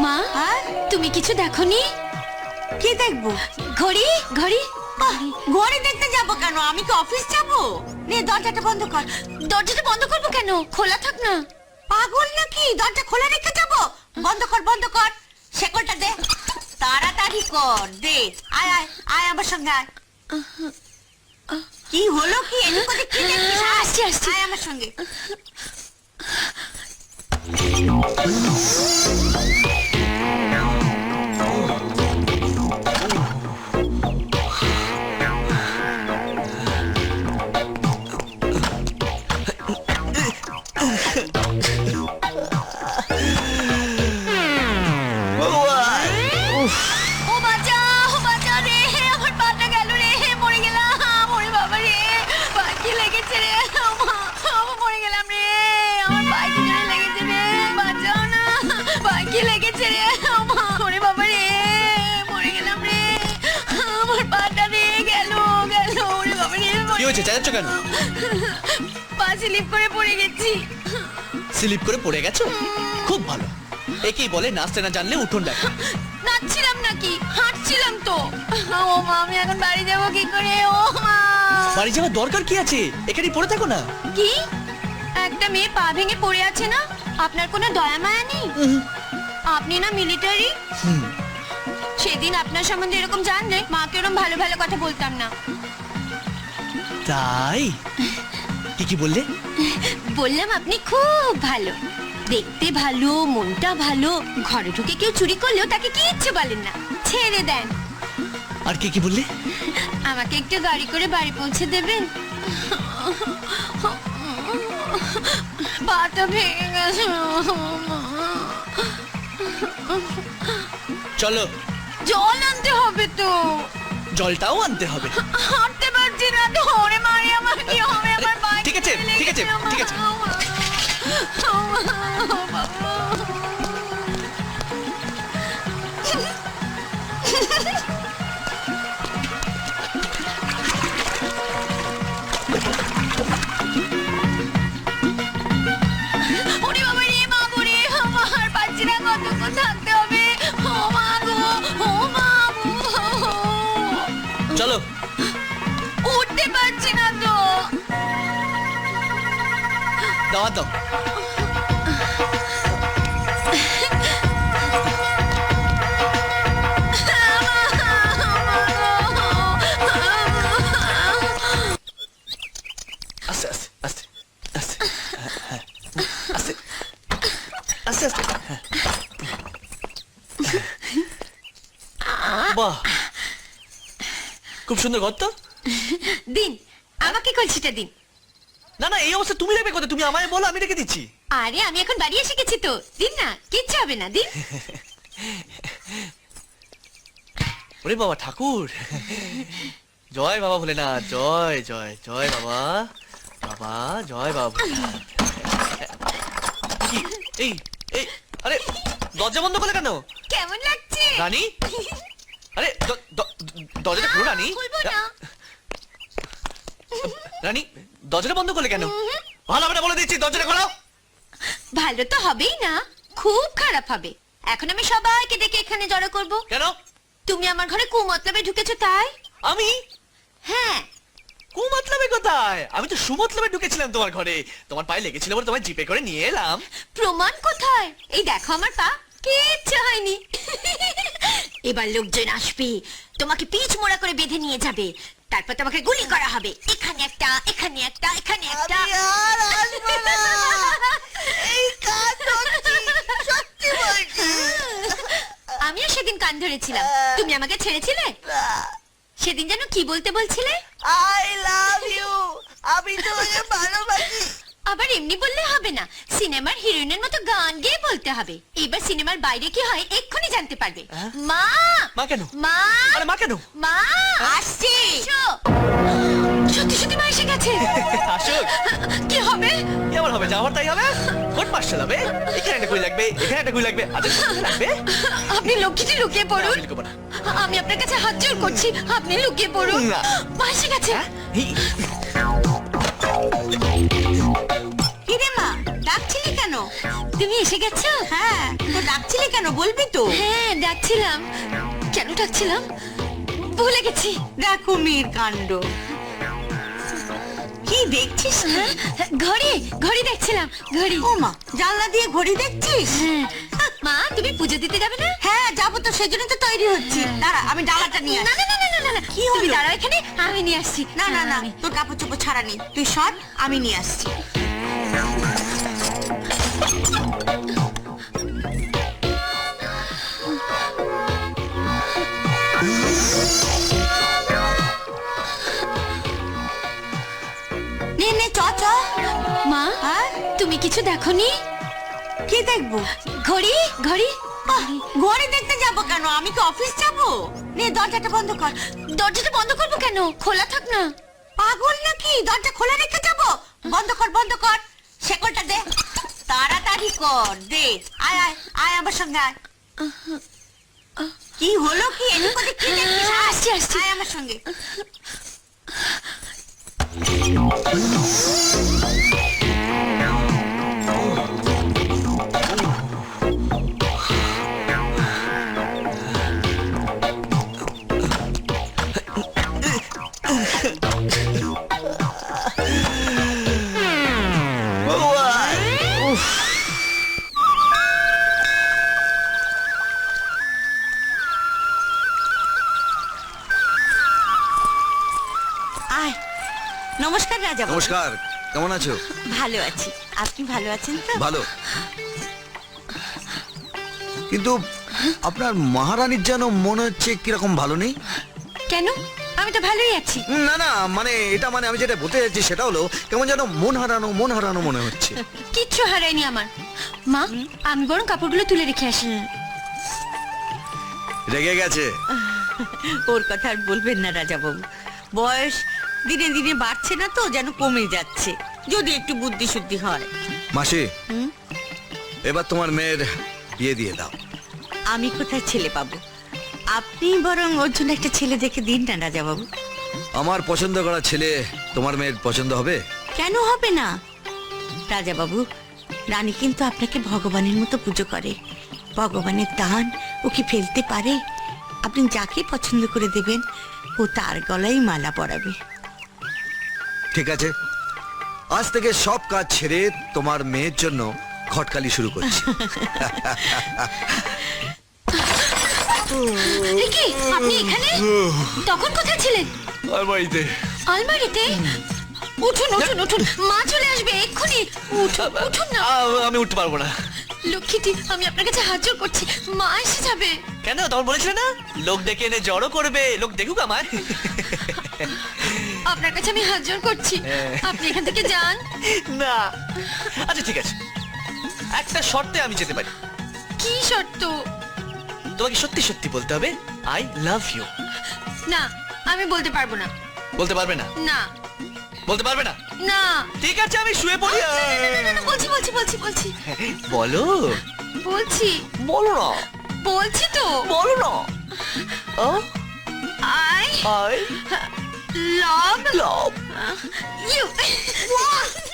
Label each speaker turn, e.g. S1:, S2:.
S1: মা তুমি কিছু দেখোনি?
S2: কি দেখবো?
S1: ঘড়ি ঘড়ি
S2: ঘড়ি দেখতে যাবো কেন? আমি কি অফিস যাবো? নে দরজাটা বন্ধ কর।
S1: দরজাটা বন্ধ করবো কেন? খোলা থাক না।
S2: পাগল নাকি? দরজা খোলা রেখে যাবো? বন্ধ কর বন্ধ কর। শেকলটা দে, তাড়াতাড়ি কর দে। আয় আয় আয় আমার সঙ্গে আয়। কি হলো কি? এদিক ওদিক কি দেখছিস?
S1: আসছি আসছি।
S2: আয় আমার সঙ্গে।
S1: ও বাঁচা রে, আমার পাটা গেল রে, মরে গেলাম। ওরে বাবা রে, পায়ে কি লেগেছে রে? আমি মরে গেলাম রে, আমার পায়ে কি জোরে লেগেছে রে? বাঁচাও না, পায়ে কি লেগেছে রে? ওরে বাবা রে, মরে গেলাম রে, আমার পাটা রে গেল। ওরে বাবা রে,
S3: কি হয়েছে? চেঁচাচ্ছ কেন?
S1: পা স্লিপ করে পড়ে গেছি।
S3: স্লিপ করে পড়ে গেছো? খুব ভালো। একেই বলে নাচতে না জানলে উঠোন দেখা।
S1: নাচছিলাম নাকি, হাঁটছিলাম তো। ও মা, আমি এখন বাড়ি যাবো কি করে? ও মা,
S3: বাড়ি যাওয়ার দরকার কি আছে? এখানেই পড়ে থাকো না।
S1: কি একটা মেয়ে পা ভেঙে পড়ে আছে না? আপনার কোনো দয়া মায়া নেই? আপনি না মিলিটারি? সেদিন আপনার সম্বন্ধে এরকম জানলে মাকে এরকম ভালো ভালো কথা বলতাম না।
S3: তাই কি কি বললে?
S1: বললাম আপনি খুব ভালো, দেখতে ভালো, মনটা ভালো, ঘরে ঢুকে কেউ চুরি করলেও তাকে কিচ্ছু বলেন না, ছেড়ে দেন।
S3: আর কি কি বললে?
S1: আমাকে একটু গাড়ি করে বাড়ি পৌঁছে দেবেন? পাটা ভেঙে গেছে।
S3: চলো।
S1: জল আনতে হবে তো।
S3: জলটাও আনতে হবে।
S1: হাঁটতে পারছি না, ধরে মারি, আমার কি হবে? আমার পায়ে
S3: ঠিক আছে, ঠিক আছে, ঠিক আছে।
S1: ওরে বাবা রে, মা গো রে, আমার পারছি না, কতক্ষণ থাকতে হবে? ও মা গো, ও মা গো।
S3: চলো।
S1: উঠতে পারছি না তো।
S3: দাও দাও। আস্তে আস্তে আস্তে আস্তে হ্যাঁ, আস্তে আস্তে আস্তে হ্যাঁ। বাহ, খুব সুন্দর গর্ত।
S1: দিন, আমাকে কলসিটা দিন।
S3: না না, এই অবস্থা তুমি রাখবে কোথায়? তুমি আমায় বলো, আমি রেখে দিচ্ছি।
S1: আরে আমি এখন বাড়ি এসে গেছি তো, দিন না, কিচ্ছু হবে না, দিন।
S3: ওরে বাবা ঠাকুর, জয় বাবা ভোলেনাথ, জয় জয় জয় বাবা, বাবা জয় বাবা ভোলেনাথ। কি? এই এই আরে দরজা বন্ধ করলে কেন?
S1: কেমন লাগছে?
S3: রানী, আরে দরজাটা খোলো রানী।
S1: খুলবো না।
S3: রানী, দরজাটা বন্ধ করলে কেন? ভালো হবে না বলে দিচ্ছি, দরজাটা খোলো।
S1: ভালো তো হবেই না, খুব খারাপ হবে। এখন আমি সবাইকে ডেকে এখানে জড়ো করব।
S3: কেন?
S1: তুমি আমার ঘরে কুমতলবে ঢুকেছো তাই?
S3: আমি
S1: হ্যাঁ।
S3: কুমতলবে কোথায়? আমি তো সুমতলবে ঢুকেছিলাম তোমার ঘরে। তোমার পায়ে লেগেছিল বলে তোমায় জিপে করে নিয়ে এলাম।
S1: প্রমাণ কোথায়? এই দেখো আমার পা, কিচ্ছু হয়নি। এবার লোকজন আসবে, তোমাকে পিচ মোড়া করে বেঁধে নিয়ে যাবে, তারপর তোমাকে গুলি করা হবে। এখানে একটা, এখানে একটা, এখানে একটা।
S2: আমি আর আসবো না। এই কাজ করছি, সত্যি বলছি।
S1: আমিও সেদিন কান ধরেছিলাম, তুমি আমাকে ছেড়েছিলে? সেদিন যেন কি বলতে বলছিলে?
S2: I love you. আমি তোমাকে ভালোবাসি।
S1: আবার এমনি বললে হবে না, সিনেমার হিরোইনের মতো গান গেয়ে বলতে হবে। এবার সিনেমার বাইরে কি হয় এক্ষুনি জানতে পারবে। মা,
S3: মা কেন?
S1: মা,
S3: আরে মা কেন?
S1: মা আসছি। সত্যি সত্যি মা এসে গেছে।
S3: আসুক।
S1: কি হবে?
S3: কি আবার হবে? যাওয়ার তাই হবে। কোট মার্শাল হবে। এখানে একটা গুলি লাগবে, এখানে একটা গুলি লাগবে, আচ্ছা লাগবে।
S1: আপনি লক্ষ্মীটি লুকিয়ে পড়ুন।
S3: আমি লুকোবো না।
S1: আমি আপনার কাছে হাত জোড় করছি, আপনি লুকিয়ে পড়ুন।
S3: না।
S1: মা এসে গেছে।
S2: কিরে মা, ডাকছিলি কেন?
S1: তুমি এসে গেছো?
S2: হ্যাঁ, তো ডাকছিলে কেন বলবি তো?
S1: হ্যাঁ ডাকছিলাম। কেন ডাকছিলাম ভুলে গেছি।
S2: দেখো মেয়ের কাণ্ড। কি দেখছিস?
S1: হ্যাঁ, ঘড়ি ঘড়ি দেখছিলাম ঘড়ি।
S2: ও মা, জানলা দিয়ে ঘড়ি দেখছিস?
S1: হ্যাঁ। মা তুমি পুজো দিতে যাবে না?
S2: হ্যাঁ যাবো তো, সেজন্য তো তৈরি হচ্ছি। দাঁড়া, আমি ডালাটা নিয়ে
S1: না
S2: আসি।
S1: না না না না না
S2: কি
S1: তুমি
S2: হলো?
S1: দাঁড়াও এখানে, আমি নিয়ে আসছি।
S2: না না না, তোর কাপড় চোপড় ছাড়া নেই, তুই সর, আমি নিয়ে আসছি। নে নে, চ চ।
S1: মা
S2: হ্যাঁ,
S1: তুমি কিছু দেখোনি?
S2: কি দেখবো?
S1: ঘড়ি ঘড়ি।
S2: আহ, ঘড়ি দেখতে যাবো কেন? আমি কি অফিস যাবো? নে দরজাটা বন্ধ কর।
S1: দরজাটা বন্ধ করবো কেন? খোলা থাক না।
S2: পাগল নাকি? দরজা খোলা রেখে যাবো? বন্ধ কর বন্ধ কর। শেকলটা দে, তাড়াতাড়ি কর, দে। আয় আয় আয় আমার সঙ্গে আয়। কি হলো কি? এদিক ওদিক কি দেখছিস? আয়,
S1: আসছি, আসছি।
S2: আয় আমার সঙ্গে। আয়। নমস্কার রাজা বাবু।
S4: নমস্কার, কেমন আছো?
S2: ভালো আছি, আপনি ভালো আছেন তো?
S4: ভালো। কিন্তু আপনার মহারানীর যেন মনে হচ্ছে কিরকম ভালো নেই।
S1: কেন? আমি তো ভালোই আছি।
S4: না না, মানে এটা মানে আমি যেটা বলতে চাইছি সেটা হলো কেমন যেন মন হারানো মনে হচ্ছে।
S1: কিচ্ছু হারায়নি আমার। মা আমি বরং কাপড়গুলো তুলে রেখে আসি।
S4: রেগে গেছে?
S2: ওর কথা আর বলবেন না রাজা বাবু। বয়স দিনে দিনে বাড়ছে না তো, যেন কমে যাচ্ছে। যদি একটু বুদ্ধি শুদ্ধি হয়।
S4: মাসি, এবার তোমার মেয়ের বিয়ে দিয়ে দাও।
S2: আমি কোথায় ছেলে পাবো? আপনি বরং ওর জন্য একটা ছেলে দেখে দিন না রাজা বাবু।
S4: আমার পছন্দ করা ছেলে তোমার মেয়ের পছন্দ হবে?
S2: কেন হবে না রাজা বাবু? রানী কিন্তু আপনাকে ভগবানের মতো পুজো করে। ভগবানের দান ও কি ফেলতে পারে? আপনি যাকে পছন্দ করে দেবেন ও তার গলায় মালা পরাবে।
S4: ঠিক আছে, আজ থেকে সব কাজ ছেড়ে তোমার মেয়ের জন্য খটকালি শুরু করছি।
S1: এ কি আপনি এখানে? তখন কোথায় ছিলেন?
S3: আলমারিতে।
S1: আলমারিতে? উঠুন উঠুন উঠুন, মা চলে আসবে এক্ষুনি। উঠুন উঠুন না।
S3: আমি উঠতে পারবো না।
S1: লক্ষ্মীটি আমি আপনার কাছে হাত জোড় করছি, মা এসে যাবে।
S3: কেন? তখন বলেছিলে না লোক ডেকে এনে জড়ো করবে, লোক দেখুক আমায়।
S1: আপনার কাছে আমি হাত জোড় করছি, আপনি এখান থেকে যান।
S3: না, আচ্ছা ঠিক আছে, একটা শর্তে আমি যেতে পারি।
S1: কি শর্ত?
S3: তোমাকে সত্যি সত্যি বলতে হবে আই লাভ ইউ।
S1: না আমি বলতে পারবো না।
S3: বলতে পারবে না?
S1: না
S3: বলতে পারবে না?
S1: না
S3: ঠিক আছে, আমি শুয়ে পড়ি।
S1: না, না, না, না, বলছি বলছি বলছি বলছি
S3: বলো
S1: বলছি
S3: বলো না,
S1: বলছি তো।
S3: বলো না।
S1: I
S3: I
S1: love
S3: love
S1: you.